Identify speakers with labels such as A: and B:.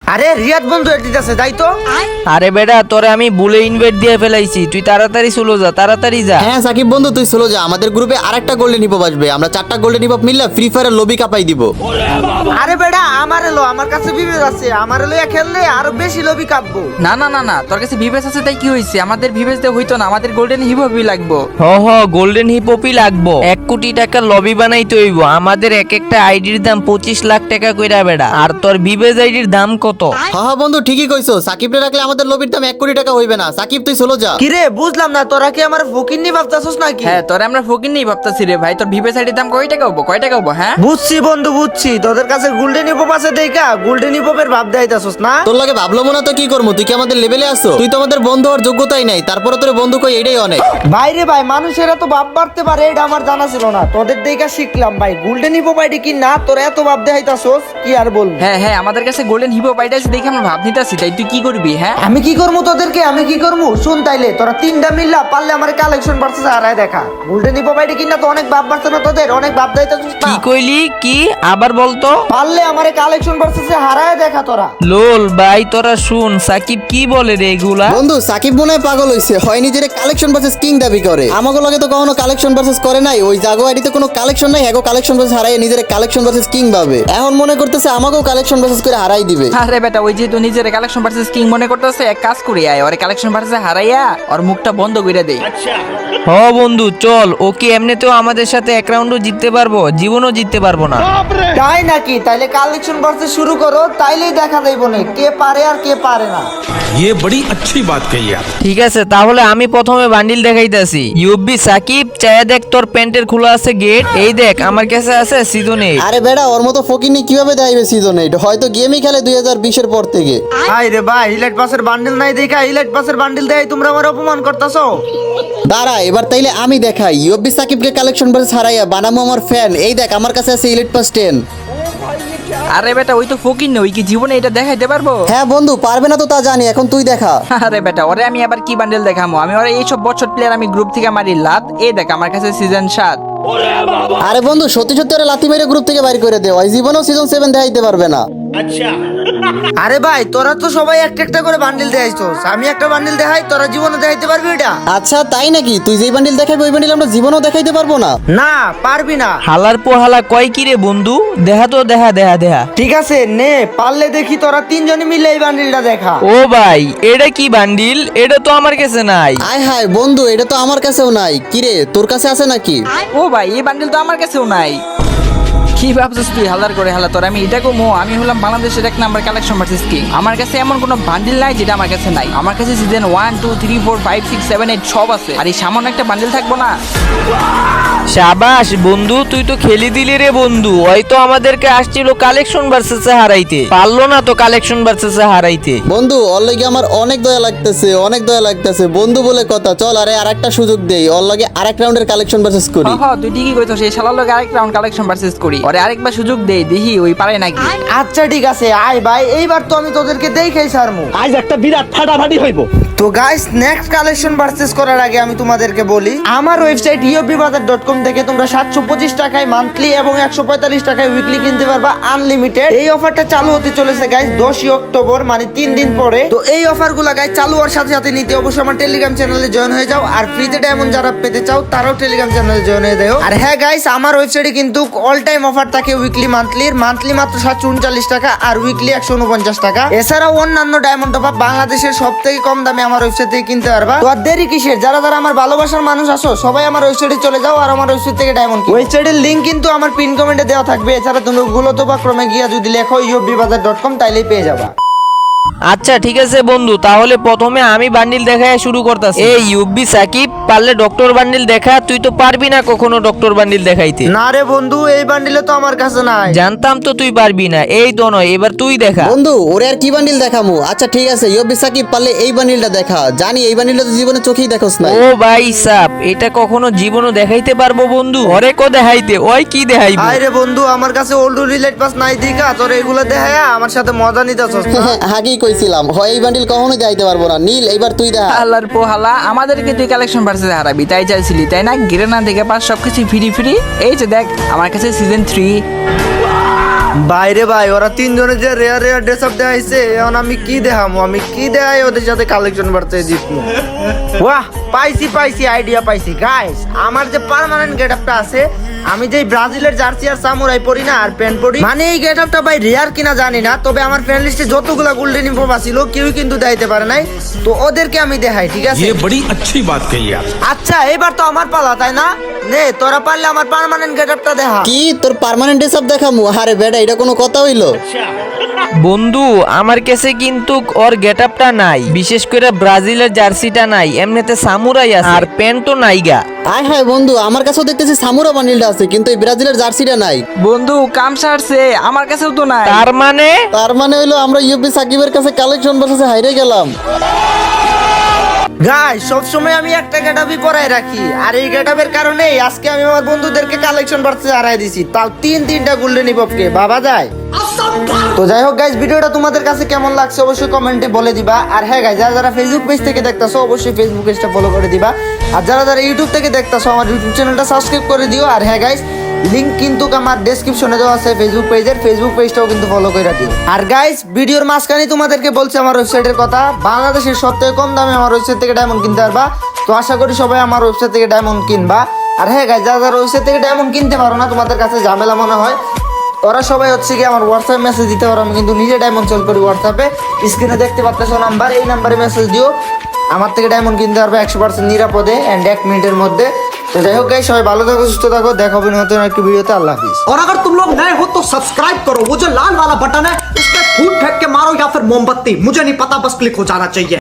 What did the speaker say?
A: আরে রিয়াদ বন্ধু এডিট আছে যাই তো।
B: আরে বেটা তোরে আমি ভুলে ইনভাইট দিয়ে ফেলাইছি, তুই তাড়াতাড়ি চলো যা, তাড়াতাড়ি যা।
C: হ্যাঁ সাকিব বন্ধু তুই চলো যা, আমাদের গ্রুপে আরেকটা গোল্ডেন হিপ আসবে, আমরা 4টা গোল্ডেন হিপ মিললে ফ্রি ফায়ারের লবি কাপাই দিব।
A: আরে বেটা আমার এলো, আমার কাছে বিবেক আছে, আমার এলো খেললে আরো বেশি লবি কাঁপবো।
D: না না না না, তোর কাছে ভিভেস আছে তাই কি হইছে? আমাদের ভিভেস দিয়ে হইতো না, আমাদের গোল্ডেন হিপ হপই লাগবো।
B: গোল্ডেন হিপপি লাগবো, 1 কোটি টাকার লবি বানাইতে হইব। আমাদের এক একটা আইডির দাম 25 লাখ টাকা কইরা বেটা। আর তোর বিবেজ আইডির দাম কত?
C: হ্যাঁ বন্ধু ঠিকই কইছো, সাকিবরে রাখলে আমাদের লবির দাম 1 কোটি টাকা হইবে না। সাকিব তুই চলো যা।
A: কিরে বুঝলাম না, তোরা কি আমার ফকির নি ভাবতাছস নাকি?
D: হ্যাঁ তোরে আমরা ফকির নেই ভাবতাছি রে ভাই। তোর ভিভেস আইডির দাম কয় টাকা হবো, কয় টাকা হবো? হ্যাঁ
A: বুঝছি বন্ধু বুঝছি, তোদের কাছে গোল্ডেন হিপপ আছে দেখা গোল্ডেন হিপপের ভাব দেখাইতাছস না।
C: তোর লাগে ভাবলো মনে তো কি করবো, তুই কি আমাদের লেভেলে আসো? তুই তো আমাদের বন্ধু হওয়ার যোগ্যতাই নাই, তারপরে তোর বন্ধু কই এটাই অনেক।
A: বাইরে ভাই মানুষেরা তো ভাব বাড়তে পারে, এটা আমার জানা ছিল না, তোদের দেখা শিখলাম ভাই। গোল্ডেন হিপপ আইডি কি না তোরা এত ভাব দেখাইতাছস, কি আর বলবো।
D: হ্যাঁ হ্যাঁ, আমাদের কাছে গোল্ডেন হিপ আইডি আছে দেখে আমরা ভাব নিতেছি, তাই তুই কি করবি? হ্যাঁ
A: আমি কি করবো তোদেরকে, আমি কি করবো শুন, তাইলে তোরা 3টা মিললা পারলে আমার কালেকশন বাড়ছে হারায় দেখা। গোল্ডেন হিপপ আইডি কিনা তো অনেক ভাব বাড়ছে না তোদের, অনেক ভাব দেখাইতাছস
B: কি
A: না।
B: কইলি? কি আবার বলতো?
A: পারলে আমার কালেকশন বাড়ছে হারায় দেখা তোরা।
B: লোল ভাই তোরা শুন, সাকিব কি বলে রে এগুলা?
C: বন্ধু সাকিব মনে হয় পাগল হইছে, হয় নিজের কালেকশন ভার্সেস কিং দাবি করে। আমাকে লগে তো কখনো কালেকশন ভার্সেস করে নাই, ওই জাগো আইডিতে কোনো কালেকশন নাই, এগো কালেকশন ভার্সেস হারাই নিজের কালেকশন ভার্সেস কিং ভাবে। এখন মনে করতেছে আমাকেও কালেকশন ভার্সেস করে হারাই দিবে।
D: আরে বেটা ওই যেহেতু নিজের কালেকশন ভার্সেস কিং মনে করতেছে, এক কাজ করি আয় ওর কালেকশন ভার্সেস হারাইয়া ওর মুখটা বন্ধ করে দেই।
B: বন্ধু চল, ওকে এমনিতেও আমাদের সাথে এক রাউন্ডও জিততে পারবো, জীবনও জিততে পারবো না।
A: তাই নাকি? তাইলে কালেকশন বাড়ছে শুরু করো, তাইলেই দেখা যাইব না কে পারে আর কে পারে না।
E: ये बड़ी अच्छी बात कही आप।
B: ঠিক আছে তাহলে আমি প্রথমে বান্ডিল দেখাইতাছি। ইউবি সাকিব চায়া দেখ, তোর প্যান্টের খোলা আছে গেট, এই দেখ আমার কাছে আছে সিজন 8।
C: আরে বেড়া ওর মতো ফকিনি কিভাবে দেখাইবে সিজন 8? হয়তো গেমই খেলে 2020 এর পর থেকে।
A: হাই রে ভাই, ইলাইট পাসের বান্ডেল নাই দেখা, ইলাইট পাসের বান্ডেল দেখাই তোমরা আমার অপমান করতাছো।
C: দাঁড়া এবার তাইলে আমি দেখাই, ইউবি সাকিবকে কালেকশন ভার্সেস হারাইয়া বানামো আমার ফ্যান। এই দেখ আমার কাছে আছে ইলিট পাস 10।
D: আরে বেটা ওই তো ফকির নই, কি জীবনে এটা দেখাইতে পারবো?
C: হ্যাঁ বন্ধু পারবে না তো তা জানি, এখন তুই দেখা।
D: আরে বেটা ওরে আমি আবার কি বান্ডেল দেখামো? আমি ওরে এইসব বছর প্লেয়ার আমি গ্রুপ থেকে মারি লাত। এই দেখ আমার কাছে সিজন 7।
C: আরে বন্ধু সত্যি সত্যি ওরা লাথি মেরে গ্রুপ থেকে বাইর করে দেও, ওই জীবনেও সিজন 7 দেখাইতে পারবে না।
A: আরে ভাই তোরা তো সবাই একটা একটা করে বান্ডেল দেখাইছস, আমি একটা বান্ডেল দেখাই, তোরা জীবনে দেখাইতে পারবি এটা?
C: আচ্ছা তাই নাকি? তুই যেই বান্ডিল দেখাবি ওই বান্ডিল আমরা জীবনেও দেখাইতে পারবো না?
A: না পারবি না।
B: হালার পোহালা কয় কি রে বন্ধু? দেখা তো দেখা দেখা দেখা।
A: ঠিক আছে নে, পারলে দেখি তোরা 3জনে মিলে এই বান্ডেলটা দেখা।
B: ও ভাই এটা কি বান্ডিল? এটা তো আমার কাছে নাই।
C: আয় হায় বন্ধু এটা তো আমার কাছেও নাই। কিরে তোর কাছে আছে নাকি?
D: ও ভাই এই বান্ডেল তো আমার কাছেও নাই। কি ভাবছিস তুই হালার করে হালা? তোর আমি এটা কমো, আমি হলাম বাংলাদেশের 1 নাম্বার কালেকশন ভার্সেস কিং। আমার কাছে এমন কোনো বান্ডিল নাই যেটা আমার কাছে নাই। আমার কাছে সিজন 1 2 3 4 5 6 7 8 সব আছে, আর এই সামান্য একটা বান্ডিল থাকবো না?
B: শাবাশ বন্ধু, তুই তো খেলি দিলি রে বন্ধু। হয়তো আমাদেরকে আসছিল কালেকশন ভার্সেসে হারাইতে, পারলো না তো কালেকশন ভার্সেসে হারাইতে।
C: বন্ধু ওর লগে আমার অনেক দয়া লাগতেছে, অনেক দয়া লাগতেছে বন্ধু বলে কথা। চল আরে আরেকটা সুযোগ দেই, ওর লগে আরেক রাউন্ডের কালেকশন ভার্সেস করি।
D: হ্যাঁ তুই ঠিকই কইছস, এই শালার লগে আরেক রাউন্ড কালেকশন ভার্সেস করি। ওরে আরেকবার সুযোগ দেই, দেখি ওই পারে নাকি।
A: আচ্ছা ঠিক আছে আয় ভাই, এইবার তো আমি তোদেরকে দেখাই ছাড়মু।
F: আজ একটা বিরাট ফাটাফাটি হইব।
A: তো গাইস নেক্সট কালেকশন পারচেজ করার আগে আমি তোমাদেরকে বলি, আমার ওয়েবসাইট iobbazaar.com থেকে তোমরা 725 টাকায় মান্থলি এবং 145 টাকায় উইকলি কিনতে পারবা আনলিমিটেড। এই অফারটা চালু হতে চলেছে গাইস 10ই অক্টোবর, মানে 3 দিন পরে। তো এই অফারগুলো গাইস চালু হওয়ার সাথে সাথে নিতে অবশ্যই আমার টেলিগ্রাম চ্যানেলে জয়েন হয়ে যাও, আর ফ্রিতে ডায়মন্ড যারা পেতে চাও তারাও টেলিগ্রাম চ্যানেলে জয়েন হয়ে যাও। আর হ্যাঁ গাইস আমার ওয়েবসাইটে কিন্তু অল টাইম অফার থাকে উইকলি মান্থলির। মান্থলি মাত্র 739 টাকা আর উইকলি 149 টাকা। এছাড়াও অন্যান্য ডায়মন্ড টপ আপ বাংলাদেশের সবথেকে কম দামে আমার ওয়েবসাইট থেকে কিনতে পারবা। তো আর দেরি কিসের? যারা যারা আমার ভালোবাসার মানুষ আছো সবাই আমার ওয়েবসাইটে চলে যাও আর আমার ওয়েবসাইট থেকে ডায়মন্ড কিনো। ওয়েবসাইটের লিংক কিন্তু আমার পিন কমেন্টে দেওয়া থাকবে। এছাড়া তুমি গুগল অথবা ক্রমে গিয়া যদি লেখো iobbazaar.com তাইলেই পেয়ে যাবা।
B: আচ্ছা ঠিক আছে বন্ধু, তাহলে প্রথমে আমি বান্ডিল দেখায় শুরু করতেছি। এই ইউবি সাকিব পারলে ডক্টর বান্ডিল দেখা, তুই তো পারবি না কখনো ডক্টর বান্ডিল দেখাইতে।
A: না রে বন্ধু, এই বান্ডিলে তো আমার কাছে নাই।
B: জানতাম তো তুই পারবি না। এই তো নয়, এবার তুই দেখা।
C: বন্ধু ওরে আর কি বান্ডিল দেখামু? আচ্ছা ঠিক আছে ইউবি সাকিব পারলে এই বান্ডিলটা দেখা। জানি এই বান্ডিলটা তো জীবনে চোখেই দেখোস না।
B: ও ভাই সাপ, এটা কখনো জীবনও দেখাইতে পারবো বন্ধু? ওরে কো দেখাইতে, ওই কি দেখাইবো?
A: আরে বন্ধু আমার কাছে ওল্ড রিলেট পাস নাই দেখা তোর এগুলো দেখায়া আমার সাথে মজা নিতেছস না?
C: আগেই কইছিলাম হয় এই বান্ডিল কখনোই দেখাইতে পারবো না। নীল এইবার তুই দেখা।
D: হালার পোহালা আমাদেরকে তুই কালেকশন ভার্সেস হারাবি তাই চাইছিলি তাই না? গিরে না দেখে পাস সবকিছু ফ্রি ফ্রি। এই যে দেখ আমার কাছে সিজন 3।
A: বাইরে ভাই ওরা তিনজনের যে রেয়ার রেয়ার ড্রেস আপ দেখাইছে এখন আমি কি দেখামো, আমি কি দেখাই ওদের সাথে কালেকশন বাড়তে জিতবো। বাহ, পাইছি আইডিয়া পাইছি গাইস। আমার যে পার্মানেন্ট গেট আপটা আছে, আমি যে ব্রাজিলের জার্সি আর সামুরাই পরি না আর প্যান্ট পরি, মানে এই গেট আপটা ভাই রেয়ার কিনা জানি না, তবে আমার ফ্রেন্ড লিস্টে যতগুলা গোল্ডেন ইনফর্ম ছিল কেউ কিন্তু দেখাইতে পারে নাই, তো ওদেরকে আমি দেখাই, ঠিক আছে?
E: ये बड़ी अच्छी बात कही आप।
A: আচ্ছা এবার তো আমার পালা, তাই না? নে তোরা পারলে আমার পার্মানেন্ট গেট আপটা দেখা।
C: কি তোর পার্মানেন্ট সব দেখামু? আরে বেটা, এটা কোনো কথা হইলো?
B: বন্ধু আমার কাছে কিন্তু ওর গেট আপটা নাই, বিশেষ করে ব্রাজিলের জার্সিটা নাই, এমনিতে সামুরাই আছে আর প্যান্টও নাই গা।
C: আয় হায় বন্ধু, আমার কাছেও দেখতেছি সামুরা বান্ডিলটা আছে, কিন্তু এই ব্রাজিলের জার্সিটা নাই।
D: বন্ধু কাম সারছে, আমার কাছেও তো নাই।
B: তার মানে
C: হইলো আমরা ইউপি সাকিবের কাছে কালেকশন ভার্সেসে হাইরে গেলাম।
A: গাই সবসময় আমি একটা গেটআপই পরাই রাখি, আর এই গেটআপের কারণে আজকে আমি আমার বন্ধুদেরকে কালেকশন বাড়তে হারাই দিছি, তাও তিনটা গোল্ডেন হিপহপকে, বাবা যায়। তো যাই হোক গাইস, ভিডিওটা তোমাদের কাছে কেমন লাগছে অবশ্যই কমেন্টে বলে দিবা। আর হ্যাঁ গাইস, যারা ফেসবুক পেজ থেকে দেখতাছো অবশ্যই ফেসবুক পেজটা ফলো করে দিবা, আর যারা ইউটিউব থেকে দেখতাছো আমার ইউটিউব চ্যানেলটা সাবস্ক্রাইব করে দিও। আর হ্যাঁ গাইস, লিংক কিন্তু আমার ডেসক্রিপশনে দেওয়া আছে ফেসবুক পেজের, ফেসবুক পেজটাও কিন্তু ফলো করে রাখি। আর গাইস, ভিডিওর মাঝখানে তোমাদেরকে বলছি আমার ওয়েবসাইটের কথা, বাংলাদেশের সবথেকে কম দামে আমার ওয়েবসাইট থেকে ডায়মন্ড কিনতে পারবা। তো আশা করি সবাই আমার ওয়েবসাইট থেকে ডায়মন্ড কিনবা। আর হ্যাঁ গাইস, যারা ওয়েবসাইট থেকে ডায়মন্ড কিনতে পারো না, তোমাদের কাছে ঝামেলা মনে হয়, ওরা সবাই হচ্ছে কি আমার হোয়াটসঅ্যাপ মেসেজ দিতে পারো, আমি কিন্তু নিজে ডায়মন্ড সেল করি হোয়াটসঅ্যাপে, স্ক্রিনে দেখতে পাচ্ছ নাম্বার, এই নাম্বারে মেসেজ দিও, আমার থেকে ডায়মন্ড কিনতে পারবে 100% নিরাপদে এন্ড 1 মিনিটের মধ্যে। তো যাই হোক গাইস, সবাই ভালো থাকো, সুস্থ থাকো, দেখা হবে নতুন একটা ভিডিওতে। আল্লাহ হাফিজ।
F: और अगर तुम लोग नए हो तो सब्सक्राइब करो, वो जो लाल वाला बटन है उस पर फूट फेंक के मारो या फिर मोमबत्ती, मुझे नहीं पता, बस क्लिक हो जाना चाहिए।